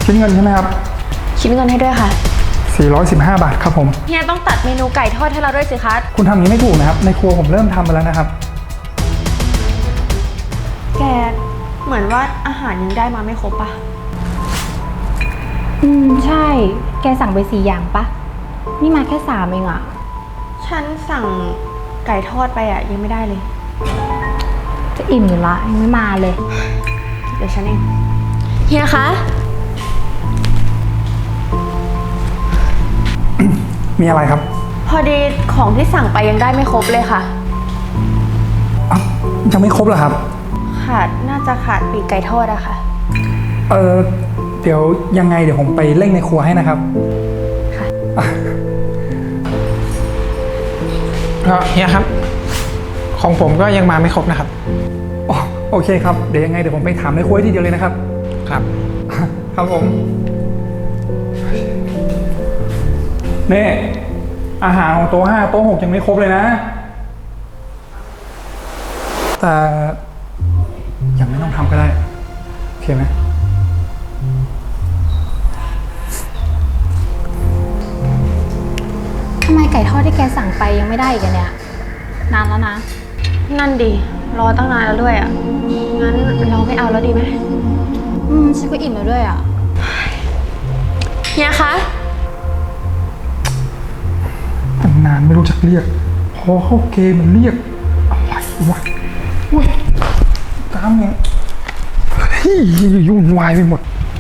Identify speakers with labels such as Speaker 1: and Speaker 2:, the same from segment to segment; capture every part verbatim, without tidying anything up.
Speaker 1: คิดเงินใช่ไหมครับ
Speaker 2: คิดเงินให้ด้วยค่ะ
Speaker 1: สี่ร้อยสิบห้าบาทครับผม
Speaker 2: เฮียต้องตัดเมนูไก่ทอดให้เราด้วยสิคะ
Speaker 1: คุณทำอย่างนี้ไม่ถูกนะครับในครัวผมเริ่มทำไปแล้วนะครับ
Speaker 2: แกเหมือนว่าอาหารยังได้มาไม่ครบปะ
Speaker 3: อืมใช่แกสั่งไปสี่อย่างปะนี่มาแค่สามเองอะ
Speaker 2: ฉันสั่งไก่ทอดไปอะยังไม่ได้เลย
Speaker 3: จะอิ่มอยู่ละยังไม่มาเลย
Speaker 2: เดี๋ยวฉันเองเฮียคะ
Speaker 1: มีอะไรครับ
Speaker 2: พอดีของที่สั่งไปยังได้ไม่ครบเลยค่ะ
Speaker 1: อ้าวยังไม่ครบเหรอครับ
Speaker 2: ขาดน่าจะขาดปีกไก่ทอดอะค่ะ
Speaker 1: เออเดี๋ยวยังไงเดี๋ยวผมไปเร่งในครัวให้นะครับ
Speaker 2: ค่ะ
Speaker 4: เฮียครับของผมก็ยังมาไม่ครบนะครับ
Speaker 1: อ๋อโอเคครับเดี๋ยวยังไงเดี๋ยวผมไปถามในครัวทีเดียวเลยนะครับ
Speaker 4: ครับ
Speaker 1: ครับผมนี่อาหารของโต๊ะห้าโต๊ะหกยังไม่ครบเลยนะแต่ยังไม่ต้องทำก็ได้โอเคไหม
Speaker 3: ทำไมไก่ทอดที่แกสั่งไปยังไม่ได้อีกเนี่ยนานแล้วนะ
Speaker 2: นั่นดิรอตั้งนานแล้วด้วยอ่ะงั้นเราไม่เอาแล้วดีไหม
Speaker 3: อืมฉันก็อิ่มแล้วด้วยอ่ะ
Speaker 2: เฮียคะ
Speaker 1: ตั้งนานไม่รู้จักเรียกพอเข้าเกมมันเรียกอะไรวะเว้ยตามเนี่ยเฮ้ยยุ่งวายไปหมด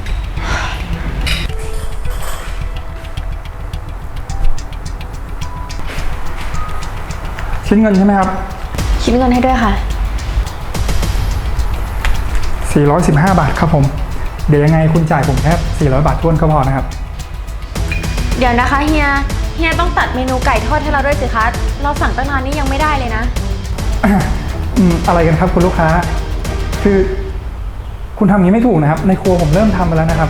Speaker 1: คิดเงินใช่ไหมครับ
Speaker 2: คิดเงินให้ด้วยค่ะ
Speaker 1: สี่ร้อยสิบห้าบาทครับผมเดี๋ยวยังไงคุณจ่ายผมแค่สี่ร้อยบาททวนก็พอนะครับ
Speaker 2: เดี๋ยวนะคะเฮียเฮียต้องตัดเมนูไก่ทอดให้เราด้วยสิคะเราสั่งตั้งนานนี่ยังไม่ได้เลยนะ
Speaker 1: อืมอะไรกันครับคุณลูกค้าคือคุณทำอย่างนี้ไม่ถูกนะครับในครัวผมเริ่มทำไปแล้วนะครับ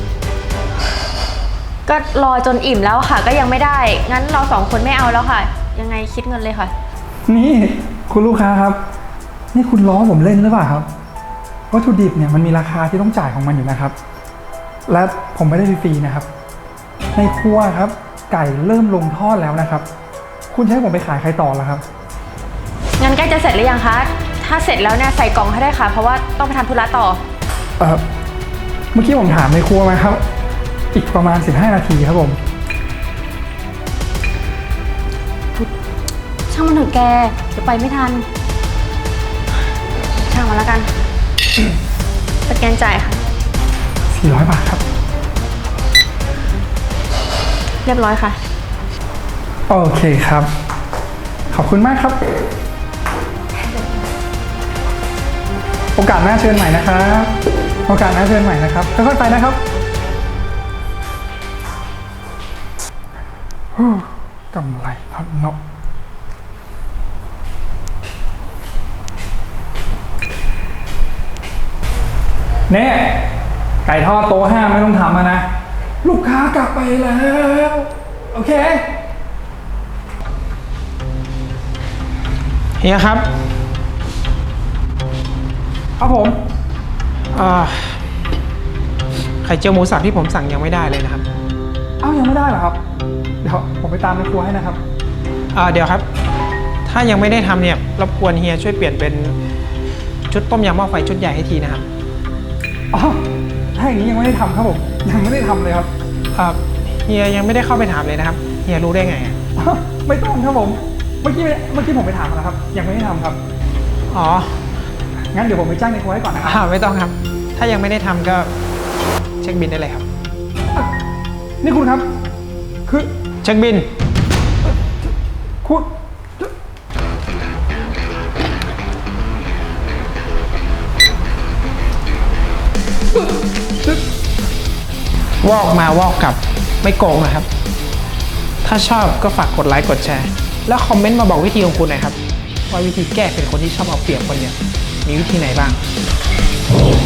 Speaker 2: ก็รอจนอิ่มแล้วค่ะก็ยังไม่ได้งั้นเราสองคนไม่เอาแล้วค่ะยังไงคิดเงินเลยค่ะ
Speaker 1: นี่คุณลูกค้าครับนี่คุณล้อผมเล่นหรือเปล่าครับวัตถุดิบเนี่ยมันมีราคาที่ต้องจ่ายของมันอยู่นะครับและผมไม่ได้ฟรีๆนะครับในครัวครับไก่เริ่มลงทอดแล้วนะครับคุณจะให้ผมไปขายใครต่อล่ะครับ
Speaker 2: งั้นใกล้จะเสร็จหรือยังคะถ้าเสร็จแล้วเนี่ยใส่กล่องให้ได้ค่ะเพราะว่าต้องไปทำธุระต่อ
Speaker 1: เออเมื่อกี้ผมถามในครัวมาครับอีกประมาณสิบห้านาทีครับผม
Speaker 3: ช่างมันเถอะแกเดี๋ยวไปไม่ทัน
Speaker 2: ช่างมาแล้วกันสแกนจ่ายค่ะ
Speaker 1: สี่ร้อยบาทครับ
Speaker 2: เรียบร้อยค่ะ
Speaker 1: โอเคครับขอบคุณมากครับโอกาสหน้าเชิญใหม่นะครับโอกาสหน้าเชิญใหม่นะครับค่อยๆไปนะครับกำไรทอดนกเนี่ยไก่ทอดโต๊ะห้าไม่ต้องทำนะลูกค้ากลับไปแล้วโอเค
Speaker 4: เฮียครับ
Speaker 1: ครับผม
Speaker 4: ไข่เจียวหมูสับที่ผมสั่งยังไม่ได้เลยนะครับ
Speaker 1: อ้าวยังไม่ได้เหรอครับเดี๋ยวผมไปตามในครัวให้นะครับ
Speaker 4: เดี๋ยวครับถ้ายังไม่ได้ทำเนี่ยรบกวนเฮียช่วยเปลี่ยนเป็นชุดต้มยำหม้อไฟชุดใหญ่ให้ทีนะครับ
Speaker 1: อ๋อถ้าอย่างนี้ยังไม่ได้ทำครับผมยังไม่ได้ทำเลยครับ
Speaker 4: ครับเฮียยังไม่ได้เข้าไปถามเลยนะครับเฮียรู้ได้ไง
Speaker 1: ไม่ต้องครับผมเมื่อกี้เมื่อกี้ผมไปถามแล้วครับยังไม่ได้ทำครับ
Speaker 4: อ๋อ
Speaker 1: งั้นเดี๋ยวผมไปจ้างในครัวให้ก่อนนะครับ
Speaker 4: ไม่ต้องครับถ้ายังไม่ได้ทำก็เช็คบิลได้เลยครับ
Speaker 1: นี่คุณครับคือ
Speaker 4: เช็คบิล
Speaker 1: คุณ
Speaker 4: วอกมาวอกกลับไม่โกงนะครับถ้าชอบก็ฝากกดไลค์กดแชร์แล้วคอมเมนต์มาบอกวิธีของคุณหน่อยครับว่าวิธีแก้เป็นคนที่ชอบเอาเปรียบคนเนี่ยมีวิธีไหนบ้าง